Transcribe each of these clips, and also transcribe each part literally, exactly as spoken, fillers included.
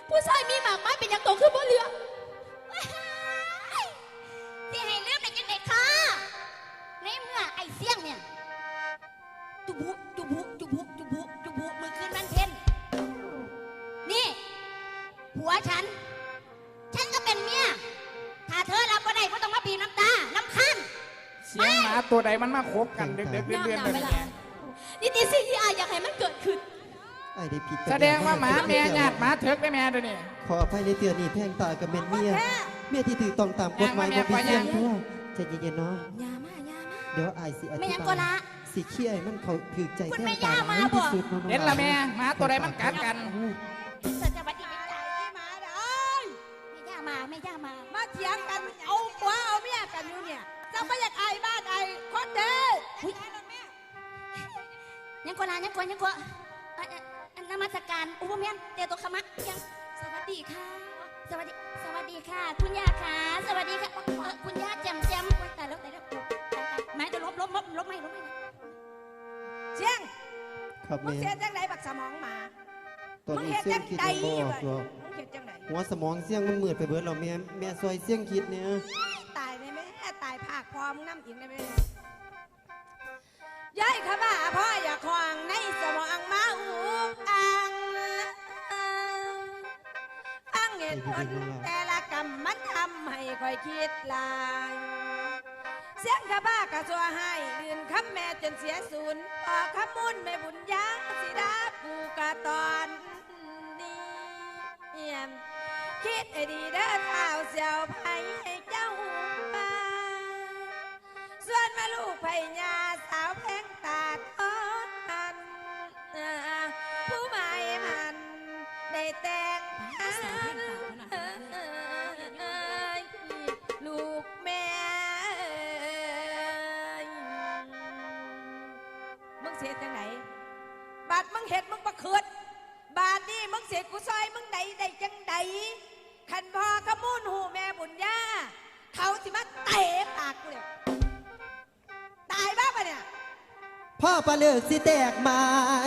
ผู้ชายมีหมากไม้เป็นยังโตขึ้นบ่เรือที่ให้เลือกเป็นยังไงคะในเมื่อไอ้เสี่ยงเนี่ยจุบุจุบุจุบุจุบุจุบุมือคืนมันเพ่นนี่ผัวฉันฉันก็เป็นเมียถ้าเธอรับก็ได้ก็ต้องมาบีบน้ำตาน้ำคันเสียงหมาตัวใดมันมาคบกันเด็กๆเดือนๆแบบนี้นี่ตีสิ่งที่อายอยากให้มันเกิดขึ้นไอ้ได้ผิดแสดงว่าหมาแม่ญาติหมาเถิกได้แม่ด้วยนี่ขออภัยในเตือนนี่แพงตากับเมนเมียเมียที่ถือต้องตามกฎหมายของพี่เสียงทั่วใจเย็นๆเนาะยามายามาเดี๋ยวไอ้สิอธิบายสิเขี้ยมันเขาถือใจแพงตาที่สุดเห็นละแม่หมาตัวใดมันกัดกันเสจะบัดนี้ใจมาเด้อไม่ย่ามาไม่ย่ามามาเถียงกันเอาผัวเอาเมียกันอยู่เนี่ยจะไม่อยากไอ้บ้านไอ้คนเด้อยังกว่ายังกว่ายังกว่าอนมัสการอุปเมียนเตโตขมักยังสวัสดีค่ะสวัสดีสวัสดีค่ะคุณย่าค่ะสวัสดีค่ะคุณย่าแจมแจมแต่แล้วแต่แล้วไม้จะลบลบลบลบไม่ลบไม่เชียงมึงเชียงจังไหนบักสมองหมาตอนนี้เสียงคิดจะบอกหรอกหัวสมองเสียงมันมืดไปเบิดเราแม่แม่ซอยเสียงคิดเนี่ยตายได้ไหมตายภาคพร้อมน้ำอีกได้ไหมย้ายข้าบ้าพ่ออย่าคลองในสมองมาอูอังฟังเหตุผลแต่ละกรรมมันทำให้คอยคิดลายเสียงข้าบ้ากระชัวให้ดื่นคำแม่จนเสียศูนย์ออกคำมุนไม่บุญยาสิดาปูกะตอนนี้เยี่ยมคิดให้ดีเด้อเท้าเสียวไผ่ให้เจ้ามาส่วนมาลูกไผ่ยาสาวแพงตาทอดมันผู้หมายมันได้แต่งพันลูกแม่มึงเสียจังไหนบาดมึงเห็ดมึงประคืดบาดนี่มึงเสียกูซอยมึงใดใดจังใดขันพอขมูลหูแม่บุญญาเขาสิมาเตะปากกูเลยตายบ้าปะเนี่ยพ่อปลาเลือกสิแตกมา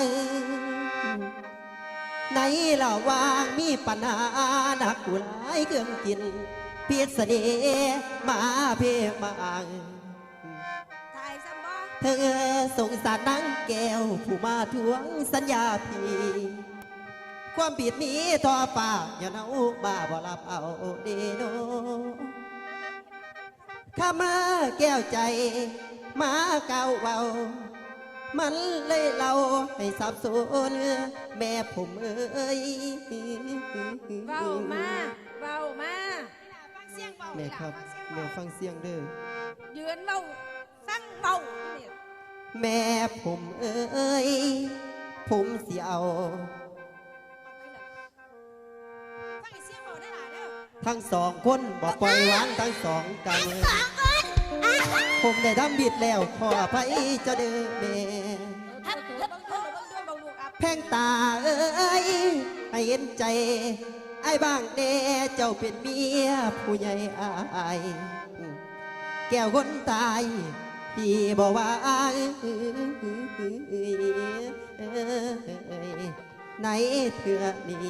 ในระหว่างมีปัญหาหนักกูหลายเครื่องกินเพียรเสน่ห์มาเพียมาตายซ้ำบ่เธอสงสารนางแก้วผู้มาทวงสัญญาพี่ความผิดนี้ทอฟ้าอย่าเอาบ้าบ่รับเอาเดโนข้ามาแก้วใจมาเก่าเบามันเลยเราให้สับสนแม่ผมเอ้ยเบามาเบามาแม่ครับแม่ฟังเสียงเด้อยืนเบาสั่งเบาแม่ผมเอ้ยผมเสียวทั้งสองคนบอกปล่อยวางทั้งสองกันผมได้ดำบิดแล้วขออภัยจะเด้อแม่แพงตาเอ้ยให้เห็นใจไอ้บ้างเด้เจ้าเป็นเมียผู้ใหญ่อายแก้วคนตายที่บอกว่าในเถื่อนี้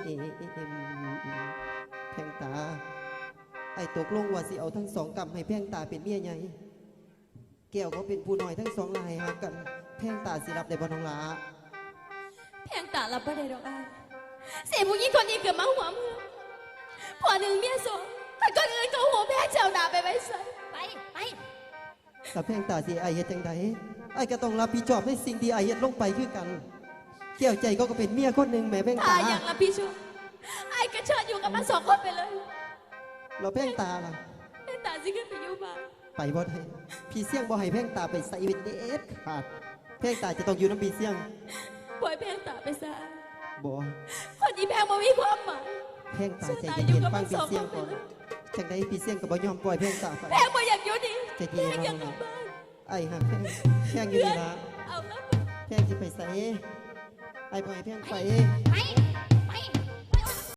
แพงตาไอ้ตกลงว่าสิเอาทั้งสองกำให้แพงตาเป็นเมียใหญ่แก้วเขาเป็นผู้น้อยทั้งสองลายหากันแพงตาสิรับได้บ่น้องลาแพงตารับบ่ได้ดอกอ้ายเสียผู้หญิงคนนี้เกิดมาหัวเมืองผัวหนึ่งเมียสองแต่คนอื่นก็หัวแพ้เจ้าหน้าไปไว้ใส่ไปไปแต่แพงตาสิไอ้เฮ็ดจังใดไอ้ก็ต้องรับผิดชอบในสิ่งที่ไอ้เฮ็ดลงไปคือกันแก้วใจก็เป็นเมียคนหนึ่งแม่แพงตาอย่างรับผิดชอบไอ้ก็เชิญอยู่กับมันสองคนไปเลยเราแพงตาล่ะแพงตาสิขึ้นไปอยู่บ้านไปบ่ได้พี่เสี่ยงบ่ให้แพงตาไปใส่เวทเด็ดขาดแพงตาจะต้องอยู่น้ำพี่เสี่ยงปล่อยแพงตาไปซะบ่คนนี้แพงบ่มีความหมายแพงตาใจเย็นๆฟังพี่เสี่ยงก่อนจังได้พี่เสี่ยงก็บ่ยอมปล่อยแพงตาไปแพงบ่อยากอยู่นี่ใจเย็นๆน้องไอ้ฮะแพงแพงอยู่นี่ล่ะเอาแล้วแพงสิไปใส่ไอ้บ่ให้แพงไปไป